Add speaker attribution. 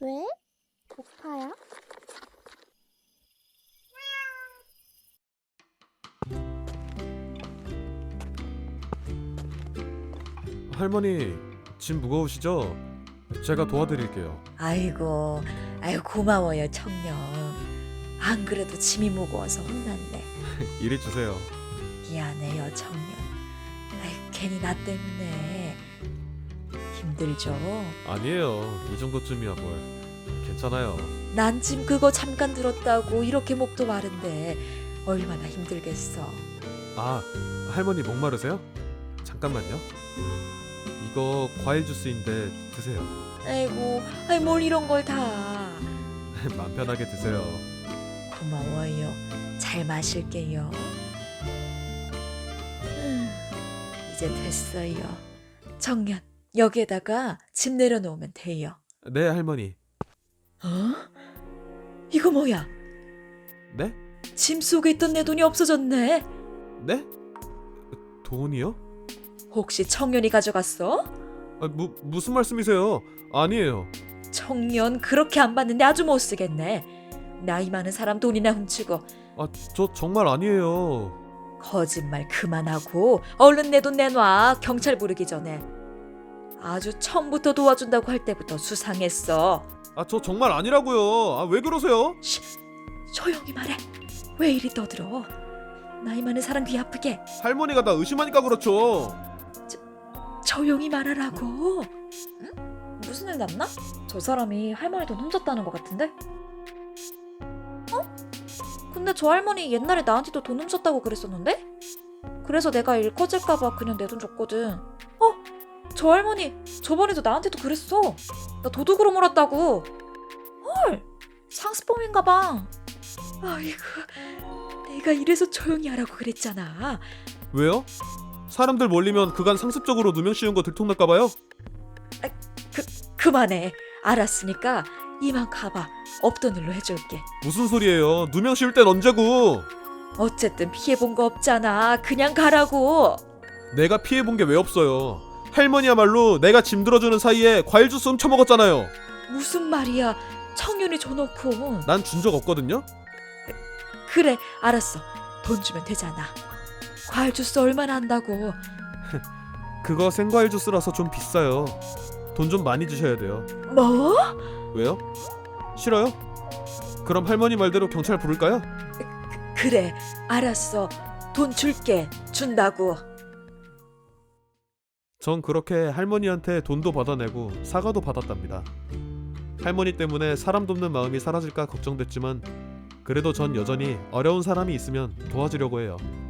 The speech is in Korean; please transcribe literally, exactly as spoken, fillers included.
Speaker 1: 왜? 고파요?
Speaker 2: 할머니, 짐 무거우시죠? 제가 도와드릴게요.
Speaker 3: 아이고, 아유 고마워요 청년. 안 그래도 짐이 무거워서 혼났네.
Speaker 2: 이리 주세요.
Speaker 3: 미안해요 청년. 아유 괜히 나 때문에 힘들죠.
Speaker 2: 아니에요. 이 정도쯤이야 뭘. 괜찮아요.
Speaker 3: 난 짐 그거 잠깐 들었다고 이렇게 목도 마른데 얼마나 힘들겠어.
Speaker 2: 아, 할머니 목마르세요? 잠깐만요. 이거 과일 주스인데 드세요.
Speaker 3: 아이고, 아이 뭘 이런 걸 다.
Speaker 2: 맘 편하게 드세요.
Speaker 3: 고마워요. 잘 마실게요. 음, 이제 됐어요. 청년, 여기에다가 짐 내려놓으면 돼요.
Speaker 2: 네, 할머니.
Speaker 3: 어? 이거 뭐야?
Speaker 2: 네?
Speaker 3: 짐 속에 있던 내 돈이 없어졌네.
Speaker 2: 네? 돈이요?
Speaker 3: 혹시 청년이 가져갔어?
Speaker 2: 아, 무, 무슨 말씀이세요? 아니에요.
Speaker 3: 청년 그렇게 안 받는데 아주 못 쓰겠네. 나이 많은 사람 돈이나 훔치고.
Speaker 2: 아, 저 정말 아니에요.
Speaker 3: 거짓말 그만하고 얼른 내 돈 내놔. 경찰 부르기 전에. 아주 처음부터 도와준다고 할 때부터 수상했어.
Speaker 2: 아, 저 정말 아니라고요. 아, 왜 그러세요?
Speaker 3: 쉿, 조용히 말해. 왜 이리 떠들어? 나이 많은 사람 귀 아프게.
Speaker 2: 할머니가 나 의심하니까 그렇죠.
Speaker 3: 조용히 말하라고. 응? 무슨 일 났나? 저 사람이 할머니 돈 훔쳤다는 것 같은데? 어? 근데 저 할머니 옛날에 나한테도 돈 훔쳤다고 그랬었는데? 그래서 내가 일 커질까봐 그냥 내 돈 줬거든. 어? 저 할머니 저번에도 나한테도 그랬어. 나 도둑으로 몰았다고. 헐, 상습범인가봐. 아이고, 내가 이래서 조용히 하라고 그랬잖아.
Speaker 2: 왜요? 사람들 몰리면 그간 상습적으로 누명 씌운 거 들통날까봐요?
Speaker 3: 그, 그만해. 알았으니까 이만 가봐. 없던 일로 해줄게.
Speaker 2: 무슨 소리예요? 누명 씌울 땐 언제고?
Speaker 3: 어쨌든 피해본 거 없잖아. 그냥 가라고.
Speaker 2: 내가 피해본 게 왜 없어요? 할머니야말로 내가 짐 들어주는 사이에 과일 주스 훔쳐먹었잖아요.
Speaker 3: 무슨 말이야. 청년이 줘놓고.
Speaker 2: 난 준 적 없거든요?
Speaker 3: 그래, 알았어. 돈 주면 되잖아. 과일 주스 얼마나 한다고.
Speaker 2: 그거 생과일 주스라서 좀 비싸요. 돈 좀 많이 주셔야 돼요.
Speaker 3: 뭐?
Speaker 2: 왜요? 싫어요? 그럼 할머니 말대로 경찰 부를까요?
Speaker 3: 그래, 알았어. 돈 줄게. 준다고.
Speaker 2: 전 그렇게 할머니한테 돈도 받아내고 사과도 받았답니다. 할머니 때문에 사람 돕는 마음이 사라질까 걱정됐지만 그래도 전 여전히 어려운 사람이 있으면 도와주려고 해요.